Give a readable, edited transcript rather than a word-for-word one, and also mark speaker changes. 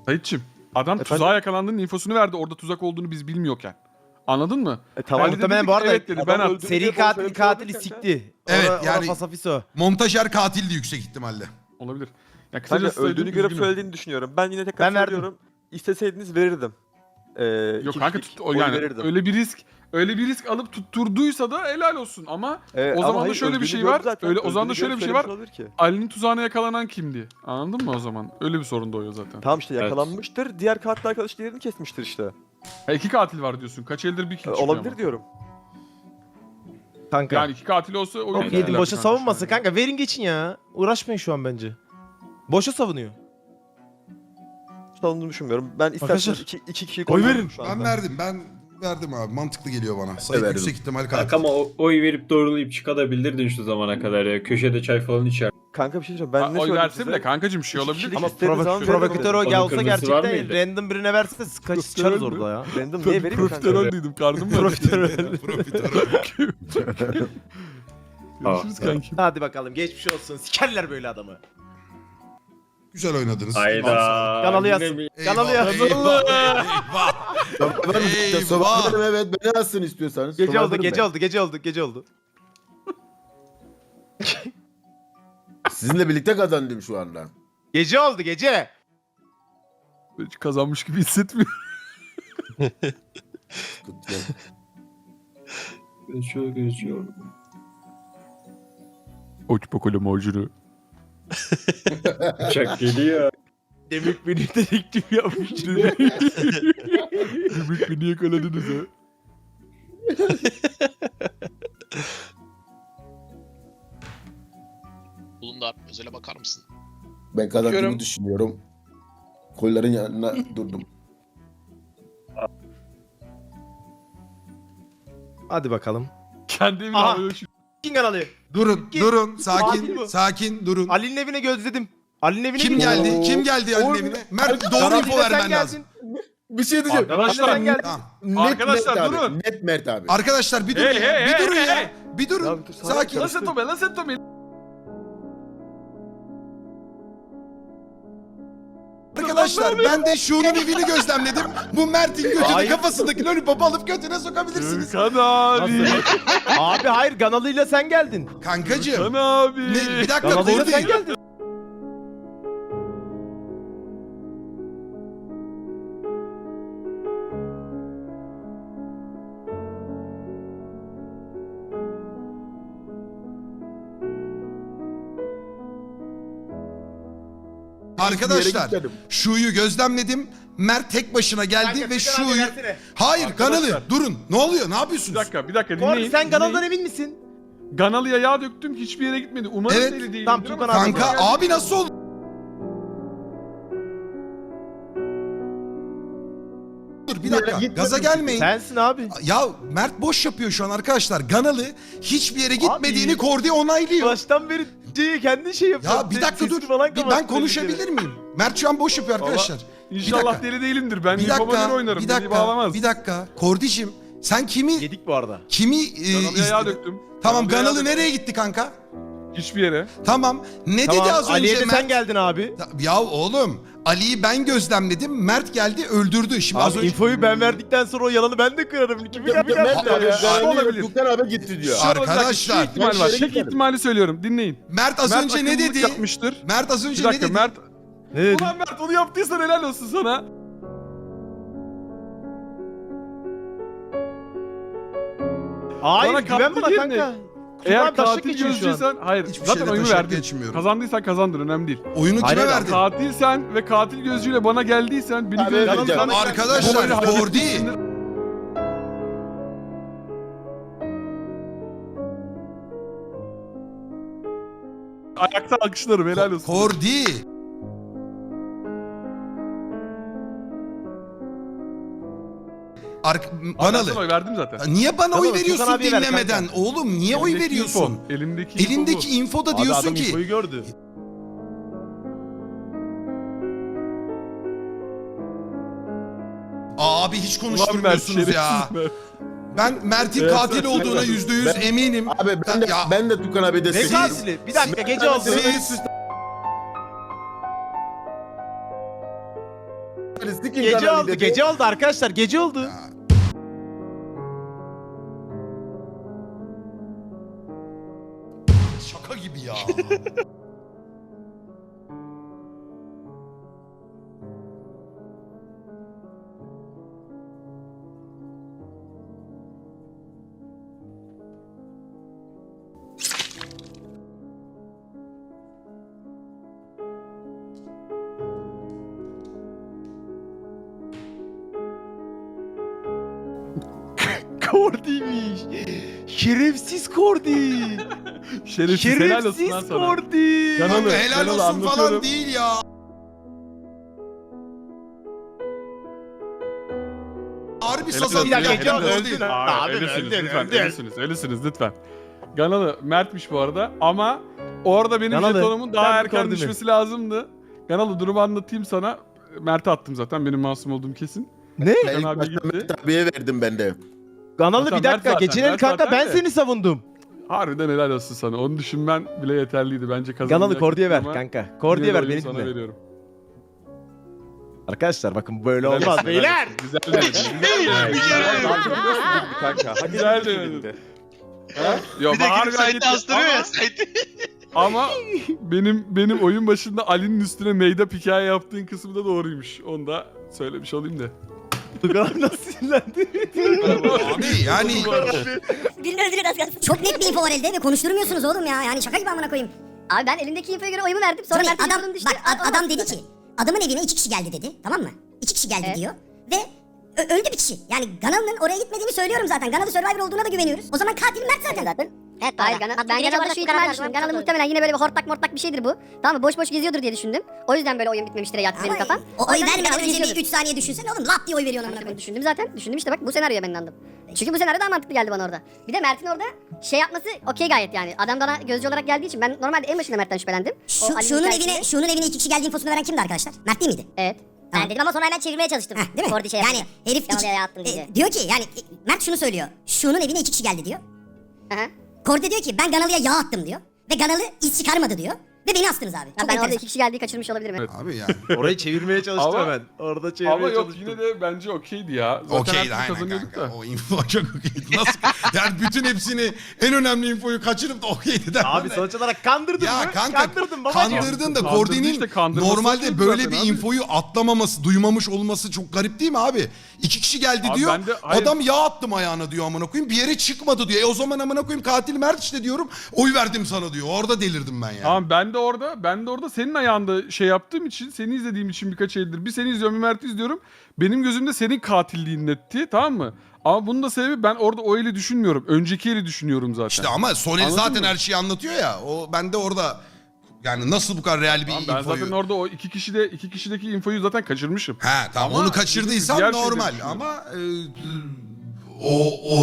Speaker 1: Sayitçim, adam tuzağa yakalandığının infosunu verdi. Orada tuzak olduğunu biz bilmiyorken. Anladın mı?
Speaker 2: Tamam.
Speaker 1: Ali de
Speaker 3: Muhtemelen
Speaker 1: dedi
Speaker 3: bu
Speaker 1: ki,
Speaker 3: arada
Speaker 1: evet dedi, ben attım.
Speaker 3: seri katili sikti.
Speaker 4: Evet,
Speaker 3: Ora
Speaker 4: yani-
Speaker 3: fasafiso.
Speaker 4: Montajer katildi yüksek ihtimalle.
Speaker 1: Olabilir. Ya
Speaker 2: Kanka
Speaker 1: kısacası
Speaker 2: öldüğünü
Speaker 1: söyleyeyim,
Speaker 2: görüp
Speaker 1: üzgünüm.
Speaker 2: söylediğini düşünüyorum. Ben yine tekrar
Speaker 3: Ben verdim.
Speaker 2: söylüyorum. İsteseydiniz verirdim.
Speaker 1: Yok kanka yani öyle bir risk alıp tutturduysa da helal olsun ama o zaman da şöyle bir şey var. O zaman da şöyle bir şey var. Ali'nin tuzağına yakalanan kimdi? Anladın mı o zaman? Öyle bir sorun doğuyor zaten.
Speaker 2: Tamam işte yakalanmıştır. Diğer katil arkadaş diğerini kesmiştir işte.
Speaker 1: Ha, iki katil var diyorsun. Kaç eldir bir kill çıkıyor
Speaker 2: Olabilir
Speaker 1: ama.
Speaker 2: diyorum.
Speaker 3: Kanka.
Speaker 1: Yani iki katil olsa oyun
Speaker 3: Çok
Speaker 1: biterler
Speaker 3: yedim boşa
Speaker 1: kanka
Speaker 3: savunmasın
Speaker 1: şu an.
Speaker 3: kanka. Verin geçin ya. Uğraşmayın şu an bence. Boşa savunuyor.
Speaker 2: Savunduğunu düşünmüyorum. Ben isterseniz
Speaker 3: Arkadaşlar,
Speaker 2: iki kişiyi
Speaker 3: oy
Speaker 2: koyuyorum
Speaker 3: verin.
Speaker 2: şu
Speaker 4: Ben
Speaker 2: anda.
Speaker 4: verdim abi. Mantıklı geliyor bana. Sayın
Speaker 5: verdim.
Speaker 4: yüksek ihtimal
Speaker 5: Kanka
Speaker 4: katil.
Speaker 5: ama oy verip doğrulayıp çıkabilirdin şu zamana kadar ya. Köşede çay falan içer.
Speaker 2: Kanka bir şey diyeceğim. Ben ne
Speaker 1: Oy
Speaker 2: söyledim
Speaker 1: verse
Speaker 2: size?
Speaker 1: bile kankacım şey
Speaker 2: İki
Speaker 1: olabilir.
Speaker 2: kişilik
Speaker 1: Ama
Speaker 2: istediğiniz zaman
Speaker 3: Provokatör o
Speaker 5: Onun
Speaker 3: gelse
Speaker 5: kırmızısı var
Speaker 3: gerçekten
Speaker 5: mıydı?
Speaker 3: random birine verse kaçarız orada ya.
Speaker 2: Random niye vereyim kanka?
Speaker 1: profiterol dedim karnım var.
Speaker 4: Profiterol.
Speaker 1: Görüşürüz kanki.
Speaker 3: Hadi bakalım geçmiş olsun. Sikerler böyle adamı.
Speaker 4: Güzel oynadınız.
Speaker 5: Hayda.
Speaker 3: Kanalı
Speaker 5: Yine
Speaker 3: yazsın.
Speaker 5: mi?
Speaker 3: Kanalı yazsın.
Speaker 4: Eyvah.
Speaker 6: Evet beni yazsın istiyorsanız.
Speaker 3: Gece oldu,
Speaker 6: Survivor'ım
Speaker 3: gece
Speaker 6: ben.
Speaker 3: oldu, gece oldu, gece oldu.
Speaker 6: Sizinle birlikte kazandım şu anda.
Speaker 3: Gece oldu, gece.
Speaker 1: Hiç kazanmış gibi hissetmiyorum.
Speaker 5: Geçiyor.
Speaker 1: Oç bakalım macunu.
Speaker 5: Uçak geliyor.
Speaker 3: Demek beni dedektif yapmış.
Speaker 1: Demek beni yakaladınız ha.
Speaker 7: Bulun abi özele bakar mısın?
Speaker 6: Ben kazandığımı
Speaker 7: Bakıyorum.
Speaker 6: düşünüyorum. Kolların yanına durdum.
Speaker 3: Hadi bakalım.
Speaker 1: Kendimi
Speaker 3: Aha.
Speaker 1: havaya
Speaker 3: Kim kanalı?
Speaker 4: Durun,
Speaker 3: Git.
Speaker 4: durun.
Speaker 3: Katil
Speaker 4: Sakin,
Speaker 3: bu.
Speaker 4: sakin, durun.
Speaker 3: Ali'nin evine gözledim. Ali'nin evine
Speaker 4: Kim
Speaker 3: gidiyorum.
Speaker 4: geldi? Kim geldi Ali'nin evine? Mert doğru info vermen lazım.
Speaker 6: Bir şey diyeceğim.
Speaker 1: Arkadaşlar,
Speaker 3: Ali'den geldi.
Speaker 4: Tamam.
Speaker 6: Net
Speaker 1: Arkadaşlar,
Speaker 6: Mert abi.
Speaker 1: durun.
Speaker 6: Net Mert abi.
Speaker 4: Arkadaşlar bir durun
Speaker 1: Hey,
Speaker 4: ya.
Speaker 1: hey,
Speaker 4: Bir
Speaker 1: hey,
Speaker 4: durun
Speaker 1: hey,
Speaker 4: ya.
Speaker 1: hey.
Speaker 4: Bir durun.
Speaker 2: Ya bir dur,
Speaker 4: Sakin.
Speaker 1: Lan sen Tommy, lan sen Tommy.
Speaker 4: Arkadaşlar ben de şunun evini gözlemledim. Bu Mert'in götünü
Speaker 3: Hayır.
Speaker 4: kafasındaki lollipop'u alıp götüne sokabilirsiniz.
Speaker 1: Kan abi.
Speaker 3: Abi hayır Ganalı'yla sen geldin.
Speaker 4: Kankacığım.
Speaker 1: Kan abi.
Speaker 4: Ne, bir dakika
Speaker 3: Ganalı'yla sen
Speaker 4: Kordi.
Speaker 3: geldin.
Speaker 4: Arkadaşlar
Speaker 6: gitmedim.
Speaker 4: şuyu gözlemledim. Mert tek başına geldi
Speaker 3: Kanka,
Speaker 4: ve
Speaker 3: Furkan abi
Speaker 4: şuyu...
Speaker 3: versene.
Speaker 4: Hayır
Speaker 1: Arkadaşlar.
Speaker 4: Ganalı durun. Ne oluyor? Ne
Speaker 1: Bir
Speaker 4: yapıyorsunuz?
Speaker 1: dakika
Speaker 3: Kordi
Speaker 1: dinleyin.
Speaker 3: sen Ganalı'dan
Speaker 1: dinleyin.
Speaker 3: emin misin?
Speaker 1: Ganalı'ya yağ döktüm hiçbir yere gitmedi. Umarım
Speaker 4: Evet.
Speaker 1: deli değildir
Speaker 3: Tamam,
Speaker 1: ama
Speaker 3: Tukan abi.
Speaker 4: Kanka abi nasıl oldu? Dur bir dakika.
Speaker 6: gitmedim.
Speaker 4: Gaza gelmeyin.
Speaker 3: Sensin abi.
Speaker 4: Ya Mert boş yapıyor şu an arkadaşlar. Ganalı hiçbir yere gitmediğini Kordi onaylıyor.
Speaker 3: Baştan beri kendi şey yapıyor.
Speaker 4: Ya bir dakika dur.
Speaker 3: Sesini falan
Speaker 4: Ben
Speaker 3: kapattı
Speaker 4: konuşabilir
Speaker 3: belli
Speaker 4: miyim? Mert şu an boş yapıyor arkadaşlar.
Speaker 1: İnşallah
Speaker 4: dakika.
Speaker 1: deli değilimdir. Ben
Speaker 4: Bir
Speaker 1: Nifoba'ları
Speaker 4: dakika,
Speaker 1: oynarım.
Speaker 4: bir
Speaker 1: Beni
Speaker 4: dakika,
Speaker 1: bağlamaz.
Speaker 4: bir dakika. Kordicim sen kimi
Speaker 3: Yedik bu arada.
Speaker 1: Ganalı'ya yağ
Speaker 4: istedin?
Speaker 1: döktüm.
Speaker 4: Tamam
Speaker 1: Ganalı'ya yağ
Speaker 4: Ganalı
Speaker 1: döktüm.
Speaker 4: nereye gitti kanka?
Speaker 1: Hiçbir yere.
Speaker 4: Tamam. Ne
Speaker 3: Tamam
Speaker 4: dedi az
Speaker 3: Ali'ye
Speaker 4: önce
Speaker 3: de
Speaker 4: Mert?
Speaker 3: sen geldin abi.
Speaker 4: Ya oğlum Ali'yi ben gözlemledim. Mert geldi öldürdü. Şimdi az
Speaker 3: Abi
Speaker 4: önce...
Speaker 3: infoyu ben verdikten sonra o yalanı ben de kırarım. Kimi
Speaker 6: Mert
Speaker 3: geldi
Speaker 6: abi.
Speaker 3: ya?
Speaker 1: Şu olabilir.
Speaker 6: Tukan abi gitti diyor.
Speaker 1: Şu
Speaker 4: Arkadaşlar,
Speaker 1: ihtimal var. Tek ihtimali söylüyorum. Dinleyin.
Speaker 4: Mert az
Speaker 1: Mert
Speaker 4: önce ne
Speaker 1: akıllılık
Speaker 4: dedi?
Speaker 1: yapmıştır.
Speaker 4: Mert az
Speaker 1: Bir
Speaker 4: önce ne
Speaker 1: dakika
Speaker 4: dedi?
Speaker 1: Mert.
Speaker 3: Ne dedi?
Speaker 1: Ulan Mert onu yaptıysan helal olsun sana.
Speaker 3: Hayır
Speaker 1: Bana
Speaker 3: güven bana
Speaker 1: kaptı
Speaker 3: kanka.
Speaker 1: yerine.
Speaker 3: Tukan
Speaker 1: Eğer
Speaker 3: abi taşak
Speaker 1: katil
Speaker 3: geçiyor şu an.
Speaker 1: gözcüysen hayır
Speaker 4: Hiçbir
Speaker 1: zaten
Speaker 4: şeyle
Speaker 1: oyunu
Speaker 4: taşak
Speaker 1: verdin.
Speaker 4: geçmiyorum.
Speaker 1: Kazandıysan kazandın önemli değil.
Speaker 4: Oyunu
Speaker 3: Hayır,
Speaker 4: kime
Speaker 3: hayır,
Speaker 4: verdin?
Speaker 1: Katilsen ve katil gözcüyle bana geldiysen beni
Speaker 6: Abi,
Speaker 1: gözcüyle
Speaker 6: vereceğim.
Speaker 4: Arkadaşlar Kordi.
Speaker 1: Ayakta alkışlarım helal olsun.
Speaker 4: Kordi.
Speaker 1: Ben sana
Speaker 4: Banalı.
Speaker 1: oy verdim zaten.
Speaker 4: Niye bana oy
Speaker 3: Tamam,
Speaker 4: veriyorsun
Speaker 3: Tukan abiye ver
Speaker 4: dinlemeden?
Speaker 3: kanka.
Speaker 4: Oğlum niye oy
Speaker 1: Elindeki
Speaker 4: veriyorsun?
Speaker 1: info, Elindeki info
Speaker 4: Elindeki
Speaker 1: bu.
Speaker 4: infoda
Speaker 3: Abi
Speaker 4: diyorsun
Speaker 3: adam
Speaker 4: ki
Speaker 3: infoyu gördü.
Speaker 4: abi hiç
Speaker 1: Ulan Mert,
Speaker 4: konuşturmuyorsunuz ya.
Speaker 1: şerefsiz Mert.
Speaker 4: Ben Mert'in
Speaker 1: Evet,
Speaker 4: katil olduğuna %100 eminim.
Speaker 6: Abi
Speaker 4: Ya-
Speaker 6: ben de Tukan abi
Speaker 3: Ne
Speaker 6: destekliyorum.
Speaker 3: katili? Bir dakika
Speaker 4: Siz-
Speaker 3: gece oldu.
Speaker 4: Siz
Speaker 6: Sikin
Speaker 3: Gece
Speaker 6: kanalı
Speaker 3: oldu,
Speaker 6: dedi.
Speaker 3: gece oldu arkadaşlar, gece oldu.
Speaker 4: Şaka gibi ya.
Speaker 3: Kordi'ymiş. Şerefsiz Kordi.
Speaker 1: Şerefsiz helal olsun lan
Speaker 3: Şerefsiz
Speaker 1: sana.
Speaker 3: Kordi.
Speaker 1: Kanalı,
Speaker 4: Kanka helal
Speaker 1: kanalı
Speaker 4: olsun falan
Speaker 1: anlatıyorum.
Speaker 4: değil ya. Harbi sazan
Speaker 3: Bir dakika,
Speaker 4: ya.
Speaker 3: gece
Speaker 4: Doğru
Speaker 3: öldün
Speaker 4: değil.
Speaker 3: ha. Abi
Speaker 1: ölüsünüz
Speaker 3: öldün,
Speaker 1: lütfen,
Speaker 3: öldün.
Speaker 1: ölüsünüz lütfen. Ganalı Mert'miş bu arada ama orada benim
Speaker 3: Ganalı,
Speaker 1: jetonumun daha
Speaker 3: sen bir
Speaker 1: erken
Speaker 3: Kordi mi?
Speaker 1: düşmesi lazımdı. Ganalı durumu anlatayım sana. Mert'e attım zaten benim masum olduğum kesin.
Speaker 3: Ne?
Speaker 6: Ben ilk
Speaker 1: abi
Speaker 6: başta
Speaker 1: gitti.
Speaker 6: Mehmet abiye verdim ben de.
Speaker 3: Ganalı
Speaker 1: Zaten
Speaker 3: bir dakika,
Speaker 1: Mert zaten,
Speaker 3: gecenin
Speaker 1: Mert
Speaker 3: kanka
Speaker 1: zaten
Speaker 3: ben
Speaker 1: de.
Speaker 3: seni savundum.
Speaker 1: Harbiden helal olsun sana. Onu düşünmen bile yeterliydi. Bence kazanmayı
Speaker 3: Ganalı
Speaker 1: hak
Speaker 3: Kordi'ye
Speaker 1: ettin
Speaker 3: ver
Speaker 1: ama
Speaker 3: kanka. Kordi'ye
Speaker 1: yine de
Speaker 3: ver,
Speaker 1: oyunu
Speaker 3: beni
Speaker 1: sana
Speaker 3: dinle.
Speaker 1: veriyorum.
Speaker 3: Arkadaşlar bakın böyle
Speaker 1: Helal
Speaker 3: olmaz
Speaker 1: olsun, helal
Speaker 3: beyler.
Speaker 1: olsun. Güzel denedin.
Speaker 2: Kanka. Hak
Speaker 1: Güzel
Speaker 2: ettiği
Speaker 1: denedin.
Speaker 2: gibi.
Speaker 1: Ha? Yo,
Speaker 7: Bir de
Speaker 1: Bahar
Speaker 7: gidip
Speaker 1: bir hak
Speaker 7: site'de
Speaker 1: etti
Speaker 7: astırıyor ya site'de.
Speaker 1: ama benim oyun başında Ali'nin üstüne meyda hikaye yaptığın kısmı da doğruymuş. Onu da söylemiş olayım da.
Speaker 3: Tugan nasıl sinirlendi?
Speaker 4: Abi yani
Speaker 8: Birini öldürüyor az kalsın. Çok net bir info var elde ve konuşturmuyorsunuz oğlum ya. Yani şaka gibi amına koyayım.
Speaker 9: Abi ben elimdeki infoya göre oyumu verdim. Sonra
Speaker 8: Sonra
Speaker 9: Mert'e
Speaker 8: adam,
Speaker 9: yolum düştü.
Speaker 8: adam dedi ki adamın evine 2 kişi geldi dedi. Tamam mı? 2 kişi geldi
Speaker 9: Evet.
Speaker 8: diyor. Ve öldü bir kişi. Yani Ganalı'nın oraya gitmediğini söylüyorum zaten. Ganalı Survivor olduğuna da güveniyoruz. O zaman katil Mert zaten.
Speaker 9: Evet Hayır ben Ganal'da şu ihtimal düşündüm. Ganal'da muhtemelen yine böyle bir hortlak mortlak bir şeydir bu. Tamam mı? Boş boş geziyordur diye düşündüm. O yüzden böyle oyun bitmemiştir yattı benim kafam.
Speaker 8: O oy
Speaker 9: yüzden
Speaker 8: vermeden
Speaker 9: Ganal'ı
Speaker 8: önce bir
Speaker 9: geziyordur.
Speaker 8: 3 saniye düşünsene oğlum. Lap diye oy veriyorsun amına koyayım.
Speaker 9: Düşündüm zaten. Düşündüm işte bak bu senaryoya ben inandım. Çünkü bu senaryo daha mantıklı geldi bana orada. Bir de Mert'in orada şey yapması okey gayet yani. Adam bana gözcü olarak geldiği için ben normalde en başında Mert'ten şüphelendim. O Ali'nin
Speaker 8: Şunun evine 2 kişi geldiği infosunu veren kimdi arkadaşlar? Mert değil miydi?
Speaker 9: Evet.
Speaker 8: Tamam.
Speaker 9: Ben dedim ama sonra hemen çevirmeye çalıştım.
Speaker 8: Heh, değil mi?
Speaker 9: Kordi şey
Speaker 8: yani
Speaker 9: yapınca.
Speaker 8: herif
Speaker 9: Ganalı'ya attım diye.
Speaker 8: diyor ki yani Mert şunu söylüyor. Şunun evine 2 kişi geldi diyor.
Speaker 9: Aha.
Speaker 8: Kordi diyor ki ben Ganalı'ya yağ attım diyor. Ve Ganalı iz çıkarmadı diyor. Ve beni astınız abi.
Speaker 9: Ya
Speaker 8: Çok
Speaker 9: ben orada
Speaker 8: enteresan.
Speaker 9: 2 kişi geldiği kaçırmış olabilirim. Evet.
Speaker 4: abi yani.
Speaker 3: Orayı çevirmeye çalıştım
Speaker 1: Ama-
Speaker 3: hemen. Orada çevirmeye
Speaker 1: Ama yok
Speaker 3: çalıştım.
Speaker 1: yine de bence okeydi ya. Zaten
Speaker 4: Okeydi
Speaker 1: her türlü
Speaker 4: aynen
Speaker 1: kazanıyorduk
Speaker 4: kanka.
Speaker 1: da.
Speaker 4: O info çok okeydi. Nasıl? Yani bütün hepsini en önemli infoyu kaçırıp da okeydi der.
Speaker 3: Abi sonuç olarak kandırdın
Speaker 4: Ya
Speaker 3: mı?
Speaker 4: kanka
Speaker 3: Kandırdın babacığım.
Speaker 4: kandırdın da
Speaker 1: Kandırdı
Speaker 4: Kordi'nin
Speaker 1: işte, kandırması
Speaker 4: normalde
Speaker 1: oldu
Speaker 4: böyle
Speaker 1: zaten
Speaker 4: bir
Speaker 1: abi.
Speaker 4: infoyu atlamaması, duymamış olması çok garip değil mi abi? 2 kişi geldi
Speaker 1: Abi
Speaker 4: diyor.
Speaker 1: ben de- hayır.
Speaker 4: Adam yağ attım ayağına diyor amına koyayım. Bir yere çıkmadı diyor. O zaman amına koyayım katil Mert işte diyorum. Oy verdim sana diyor. Orada delirdim ben yani.
Speaker 1: Tamam ben de orada senin ayağında şey yaptığım için, seni izlediğim için birkaç eldir. Bir seni izliyorum, bir Mert'i izliyorum. Benim gözümde senin katilliğin netti, tamam mı? Ama bunun da sebebi ben orada o eli düşünmüyorum. Önceki eli düşünüyorum zaten.
Speaker 4: İşte ama Soner
Speaker 1: Anladın
Speaker 4: zaten
Speaker 1: mı?
Speaker 4: her şeyi anlatıyor ya. O ben de orada yani nasıl bu kadar real bir
Speaker 1: Tamam, ben
Speaker 4: infoyu...
Speaker 1: zaten orada o iki kişideki infoyu zaten kaçırmışım.
Speaker 4: He tamam
Speaker 1: Ama
Speaker 4: onu kaçırdıysan
Speaker 1: diğer şeyleri
Speaker 4: normal
Speaker 1: düşünüyorum.
Speaker 4: ama o